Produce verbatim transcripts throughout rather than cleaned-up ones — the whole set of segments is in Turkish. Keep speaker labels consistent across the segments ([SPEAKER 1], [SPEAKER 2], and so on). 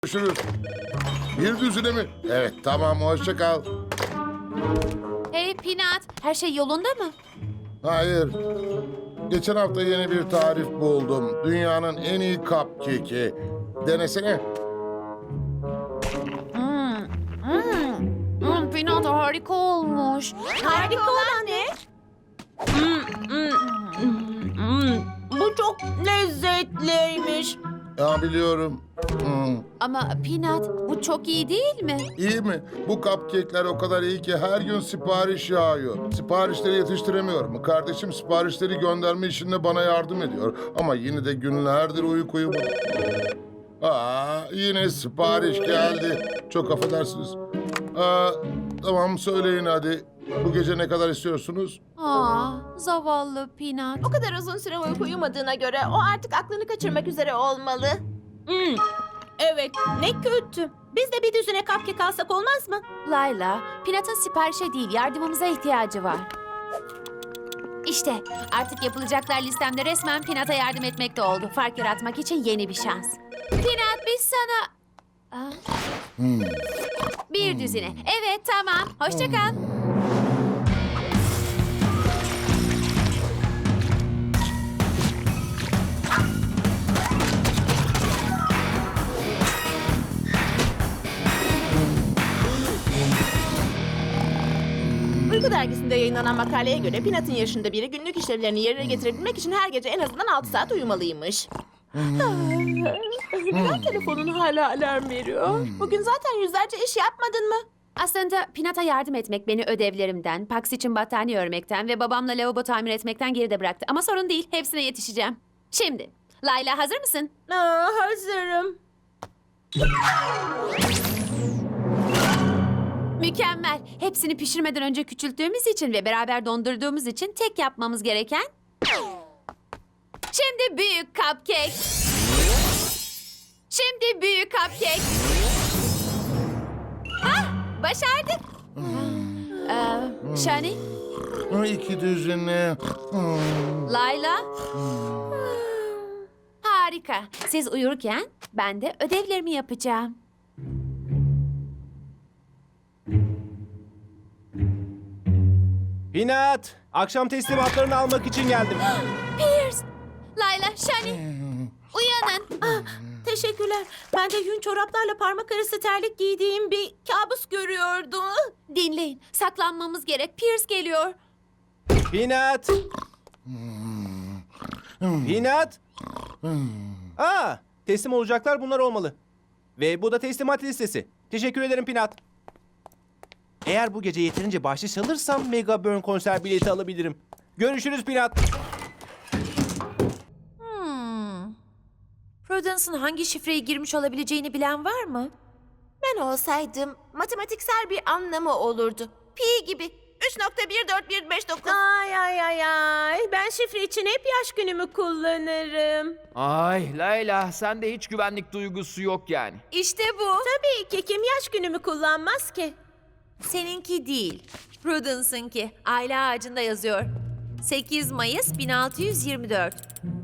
[SPEAKER 1] Görüşürüz. Bir düzine mi? Evet, tamam, hoşça kal.
[SPEAKER 2] Hey Peanut, her şey yolunda mı?
[SPEAKER 1] Hayır. Geçen hafta yeni bir tarif buldum. Dünyanın en iyi cupcake'i. Denesene.
[SPEAKER 2] Hmm, hmm, hmm, Peanut harika olmuş.
[SPEAKER 3] Harika olan ne? Bu çok lezzetliymiş.
[SPEAKER 1] Ya biliyorum. Hmm.
[SPEAKER 2] Ama Peanut, bu çok iyi değil mi?
[SPEAKER 1] İyi mi? Bu cupcake'ler o kadar iyi ki her gün sipariş yağıyor. Siparişleri yetiştiremiyorum. Kardeşim siparişleri gönderme işinde bana yardım ediyor. Ama yine de günlerdir uyku uyumadım. Aa, yine sipariş geldi. Çok affedersiniz. Aa, tamam söyleyin hadi. Bu gece ne kadar istiyorsunuz?
[SPEAKER 2] Aa, zavallı Peanut.
[SPEAKER 3] O kadar uzun süre uyku uyumadığına göre o artık aklını kaçırmak üzere olmalı. Hmm, evet, ne kötü. Biz de bir düzine cupcake alsak olmaz mı?
[SPEAKER 2] Layla, Peanut'ın siparişe değil, yardımımıza ihtiyacı var. İşte artık yapılacaklar listemde resmen Peanut'a yardım etmekte oldu. Fark yaratmak için yeni bir şans. Peanut, biz sana... Aa,
[SPEAKER 1] Hmm.
[SPEAKER 2] bir düzine. Evet, tamam. Hoşça kal.
[SPEAKER 3] Uyku dergisinde yayınlanan makaleye göre Peanut'ın yaşında biri günlük işlevlerini yerine getirebilmek için her gece en azından altı saat uyumalıymış. Neden telefonun hala alarm veriyor? Bugün zaten yüzlerce iş yapmadın mı?
[SPEAKER 2] Aslında Peanut'a yardım etmek beni ödevlerimden, Pax için battaniye örmekten ve babamla lavabo tamir etmekten geride bıraktı. Ama sorun değil, hepsine yetişeceğim. Şimdi, Layla hazır mısın?
[SPEAKER 3] Aa, hazırım.
[SPEAKER 2] Mükemmel. Hepsini pişirmeden önce küçülttüğümüz için ve beraber dondurduğumuz için tek yapmamız gereken... Şimdi büyük cupcake. Şimdi büyük cupcake. Hah, başardık. Ee, Shani,
[SPEAKER 1] İki düzine. Hmm.
[SPEAKER 2] Layla. Harika. Siz uyurken ben de ödevlerimi yapacağım.
[SPEAKER 4] Peanut, akşam teslimatlarını almak için geldim.
[SPEAKER 2] Pierce, Layla, Shani, uyanın.
[SPEAKER 3] Ah, teşekkürler. Ben de yün çoraplarla parmak arası terlik giydiğim bir kabus görüyordum.
[SPEAKER 2] Dinleyin, saklanmamız gerek. Pierce geliyor.
[SPEAKER 4] Peanut. Peanut. Aa, teslim olacaklar bunlar olmalı. Ve bu da teslimat listesi. Teşekkür ederim Peanut. Eğer bu gece yeterince bahşiş alırsam Mega Burn konser bileti alabilirim. Görüşürüz Peanut.
[SPEAKER 2] Hmm. Prudence'ın hangi şifreyi girmiş olabileceğini bilen var mı?
[SPEAKER 3] Ben olsaydım matematiksel bir anlamı olurdu. Pi gibi. üç nokta bir dört bir beş dokuz. Ay ay ay ay. Ben şifre için hep yaş günümü kullanırım.
[SPEAKER 5] Ay Layla, sende hiç güvenlik duygusu yok yani.
[SPEAKER 2] İşte bu.
[SPEAKER 3] Tabii ki kim yaş günümü kullanmaz ki?
[SPEAKER 2] Seninki değil. Prudence'ınki. Aile ağacında yazıyor. sekiz Mayıs bin altı yüz yirmi dört.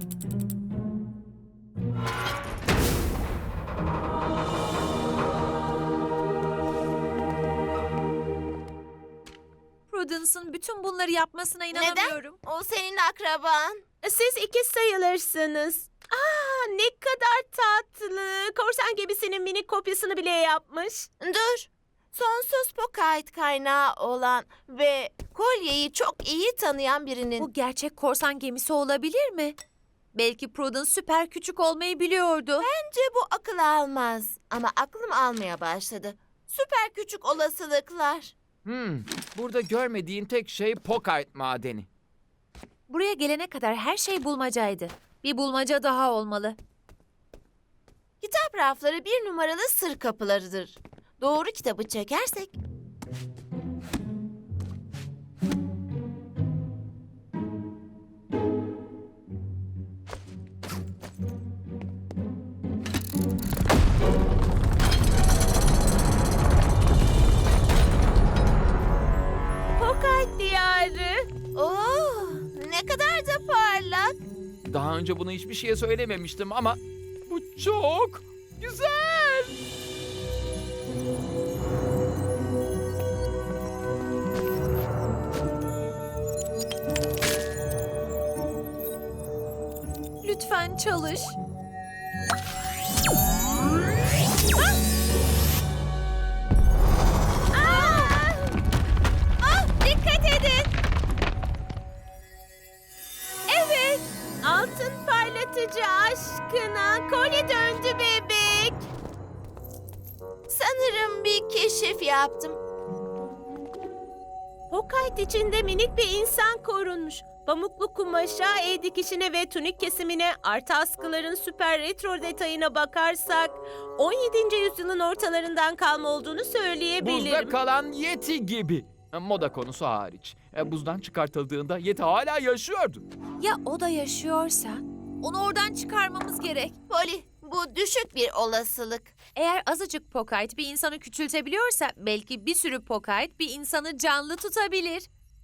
[SPEAKER 2] Prudence'ın bütün bunları yapmasına inanamıyorum.
[SPEAKER 3] O senin akraban. Siz ikiz sayılırsınız. Aa, ne kadar tatlı. Korsan gemisinin minik kopyasını bile yapmış. Dur. Sonsuz Pocket kaynağı olan ve kolyeyi çok iyi tanıyan birinin...
[SPEAKER 2] Bu gerçek korsan gemisi olabilir mi? Belki Prudence süper küçük olmayı biliyordu.
[SPEAKER 3] Bence bu akıl almaz. Ama aklım almaya başladı. Süper küçük olasılıklar.
[SPEAKER 5] Hmm, burada görmediğin tek şey Pocket madeni.
[SPEAKER 2] Buraya gelene kadar her şey bulmacaydı. Bir bulmaca daha olmalı.
[SPEAKER 3] Kitap rafları bir numaralı sır kapılarıdır. Doğru kitabı çekersek... Pocket diyarı. Oo, ne kadar da parlak.
[SPEAKER 5] Daha önce bunu hiçbir şeye söylememiştim ama bu çok güzel.
[SPEAKER 3] çalış. Ah! Ah, dikkat edin. Evet. Altın parlatıcı aşkına kolye döndü bebek. Sanırım bir keşif yaptım. Hokayt içinde minik bir insan korunmuş. Pamuklu kumaşa, el dikişine ve tunik kesimine, artı askıların süper retro detayına bakarsak on yedinci yüzyılın ortalarından kalma olduğunu söyleyebilirim.
[SPEAKER 5] Buzda kalan Yeti gibi. Moda konusu hariç. E, Buzdan çıkartıldığında Yeti hala yaşıyordu.
[SPEAKER 2] Ya o da yaşıyorsa? Onu oradan çıkarmamız gerek.
[SPEAKER 3] Polly, bu düşük bir olasılık.
[SPEAKER 2] Eğer azıcık Pokayt bir insanı küçültebiliyorsa belki bir sürü Pokayt bir insanı canlı tutabilir.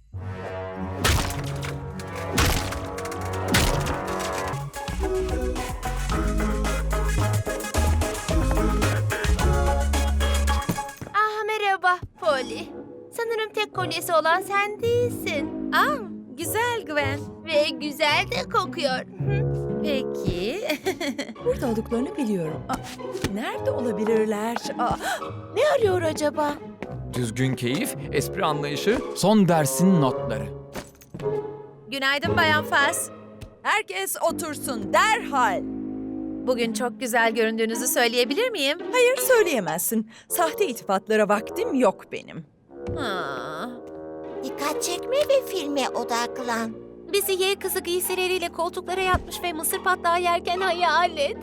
[SPEAKER 3] Ah merhaba Polly. Sanırım tek kolyesi olan sen değilsin.
[SPEAKER 2] Aa, güzel Gwen.
[SPEAKER 3] Ve güzel de kokuyor.
[SPEAKER 6] Peki. Burada olduklarını biliyorum. Aa, nerede olabilirler? Aa,
[SPEAKER 3] Ne arıyor acaba?
[SPEAKER 5] Düzgün keyif, espri anlayışı, son dersin notları.
[SPEAKER 2] Günaydın Bayan Fas.
[SPEAKER 6] herkes otursun derhal.
[SPEAKER 2] Bugün çok güzel göründüğünüzü söyleyebilir miyim?
[SPEAKER 6] Hayır söyleyemezsin. Sahte iltifatlara vaktim yok benim.
[SPEAKER 2] Ha.
[SPEAKER 3] Dikkat çekme ve filme odaklan.
[SPEAKER 2] Bizi Y kızı giysileriyle koltuklara yatmış ve mısır patlağı yerken hayal et.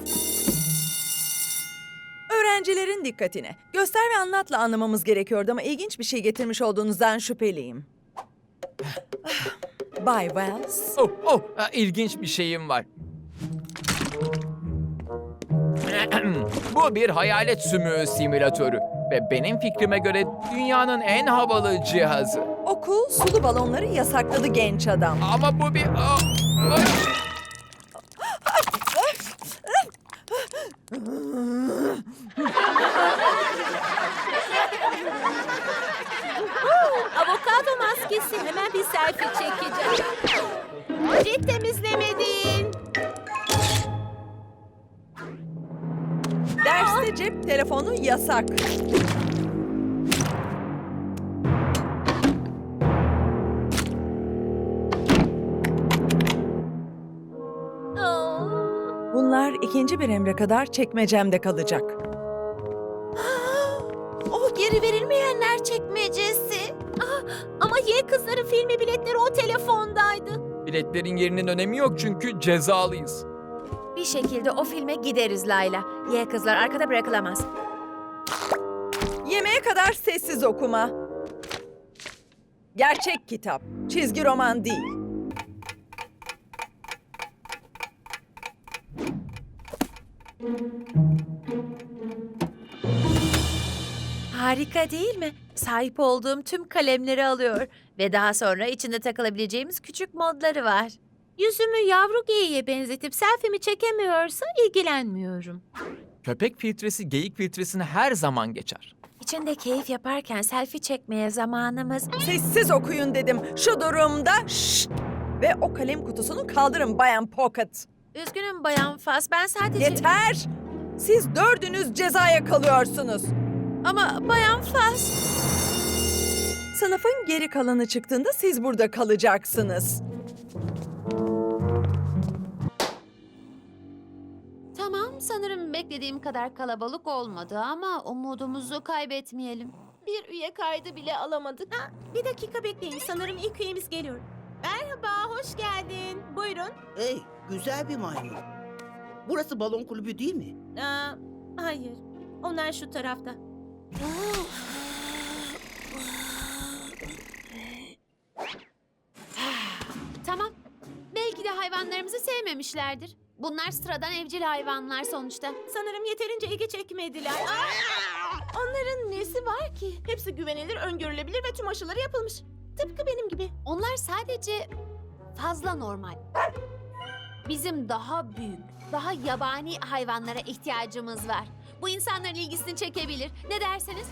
[SPEAKER 6] Öğrencilerin dikkatine. Göster ve anlatla anlamamız gerekiyordu ama ilginç bir şey getirmiş olduğunuzdan şüpheliyim. Bay Wells.
[SPEAKER 5] Oh, oh, ha, ilginç bir şeyim var. Bu bir hayalet sümüğü simülatörü ve benim fikrime göre dünyanın en havalı cihazı.
[SPEAKER 6] Okul sulu balonları yasakladı genç adam.
[SPEAKER 5] Ama bu bir... Aa, ay!
[SPEAKER 3] Avokado maskesi. Hemen bir selfie çekeceğim. Cilt temizlemedin.
[SPEAKER 6] Derste cep telefonu yasak. Bunlar ikinci bir emre kadar çekmecemde kalacak.
[SPEAKER 3] O geri verilmeyenler çekmecesi. Ah, ama Y kızların filmi biletleri o telefondaydı.
[SPEAKER 5] Biletlerin yerinin önemi yok çünkü cezalıyız.
[SPEAKER 2] Bir şekilde o filme gideriz Layla. Y kızlar arkada bırakılamaz.
[SPEAKER 6] Yemeğe kadar sessiz okuma. Gerçek kitap, çizgi roman değil.
[SPEAKER 2] Harika değil mi? Sahip olduğum tüm kalemleri alıyor. Ve daha sonra içinde takılabileceğimiz küçük modları var. Yüzümü yavru geyiğe benzetip selfie'mi çekemiyorsa ilgilenmiyorum.
[SPEAKER 5] Köpek filtresi geyik filtresini her zaman geçer.
[SPEAKER 2] İçinde keyif yaparken selfie çekmeye zamanımız...
[SPEAKER 6] Sessiz okuyun dedim. Şu durumda şşt! Ve o kalem kutusunu kaldırın Bayan Pocket.
[SPEAKER 2] Üzgünüm Bayan Fas, ben sadece...
[SPEAKER 6] Yeter! Siz dördünüz cezaya kalıyorsunuz.
[SPEAKER 2] Ama Bayan Fas...
[SPEAKER 6] Sınıfın geri kalanı çıktığında siz burada kalacaksınız.
[SPEAKER 2] Tamam, sanırım beklediğim kadar kalabalık olmadı ama umudumuzu kaybetmeyelim.
[SPEAKER 3] Bir üye kaydı bile alamadık. Ha, bir dakika bekleyin. Sanırım ilk üyemiz geliyor. Merhaba, hoş geldin. Buyurun.
[SPEAKER 7] Hey, güzel bir maymun. Burası balon kulübü değil mi?
[SPEAKER 3] Aa, hayır, onlar şu tarafta.
[SPEAKER 2] Tamam, belki de hayvanlarımızı sevmemişlerdir. Bunlar sıradan evcil hayvanlar sonuçta.
[SPEAKER 3] Sanırım yeterince ilgi çekmediler. Aa! Onların nesi var ki? Hepsi güvenilir, öngörülebilir ve tüm aşıları yapılmış. Tıpkı benim gibi.
[SPEAKER 2] Onlar sadece fazla normal. Bizim daha büyük, daha yabani hayvanlara ihtiyacımız var. Bu insanların ilgisini çekebilir. Ne dersiniz?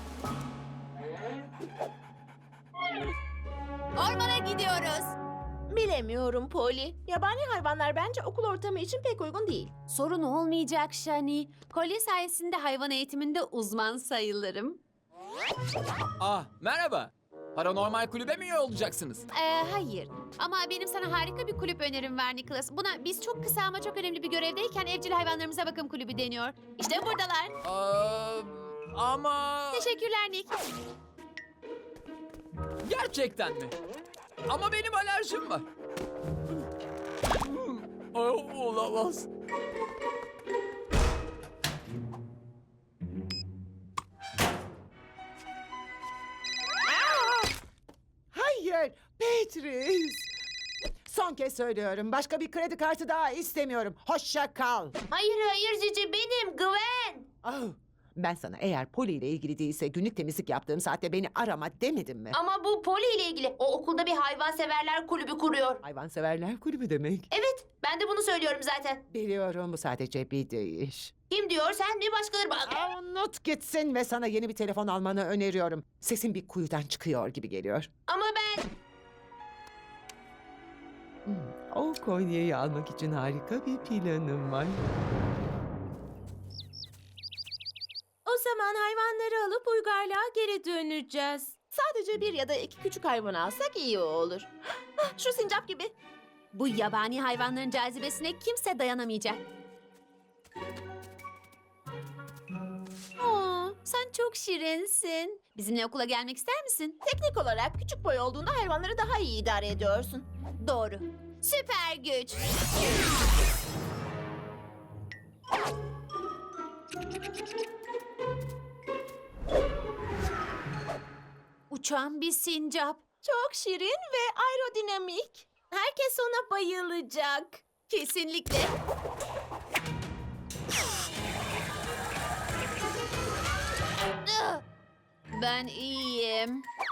[SPEAKER 2] Ormana gidiyoruz.
[SPEAKER 3] Bilemiyorum Polly. Yabani hayvanlar bence okul ortamı için pek uygun değil.
[SPEAKER 2] Sorun olmayacak Shani. Kolye sayesinde hayvan eğitiminde uzman sayılırım.
[SPEAKER 5] Ah, merhaba. Paranormal kulübe mi üye olacaksınız?
[SPEAKER 2] Ee, hayır. Ama benim sana harika bir kulüp önerim var Nicholas. Buna biz çok kısa ama çok önemli bir görevdeyken evcil hayvanlarımıza bakım kulübü deniyor. İşte buradalar.
[SPEAKER 5] Aa, ama...
[SPEAKER 2] Teşekkürler Nick.
[SPEAKER 5] Gerçekten mi? Ama benim alerjim var. Oh, olamaz.
[SPEAKER 7] Hayır, Beatrice. Son kez söylüyorum. Başka bir kredi kartı daha istemiyorum. Hoşça kal.
[SPEAKER 3] Hayır hayır Cici benim Gwen.
[SPEAKER 7] Oh, ben sana eğer Polly ile ilgili değilse günlük temizlik yaptığım saatte beni arama demedim mi?
[SPEAKER 3] Ama bu Polly ile ilgili. O okulda bir hayvanseverler kulübü kuruyor.
[SPEAKER 7] Hayvanseverler kulübü demek.
[SPEAKER 3] Evet ben de bunu söylüyorum zaten.
[SPEAKER 7] Biliyorum, bu sadece bir deyiş.
[SPEAKER 3] Kim diyor sen mi başkaları bak.
[SPEAKER 7] Aa, unut gitsin ve sana yeni bir telefon almanı öneriyorum. Sesin bir kuyudan çıkıyor gibi geliyor.
[SPEAKER 3] Ama ben...
[SPEAKER 7] Hmm, o kolyeyi almak için harika bir planım var.
[SPEAKER 3] O zaman hayvanları alıp uygarlığa geri döneceğiz. Sadece bir ya da iki küçük hayvan alsak iyi olur. Ah, şu sincap gibi.
[SPEAKER 2] Bu yabani hayvanların cazibesine kimse dayanamayacak. Oo, sen çok şirinsin. Bizimle okula gelmek ister misin?
[SPEAKER 3] Teknik olarak küçük boy olduğunda hayvanları daha iyi idare ediyorsun.
[SPEAKER 2] Doğru. Süper güç. Uçan bir sincap.
[SPEAKER 3] Çok şirin ve aerodinamik. Herkes ona bayılacak.
[SPEAKER 2] Kesinlikle. Ben iyiyim.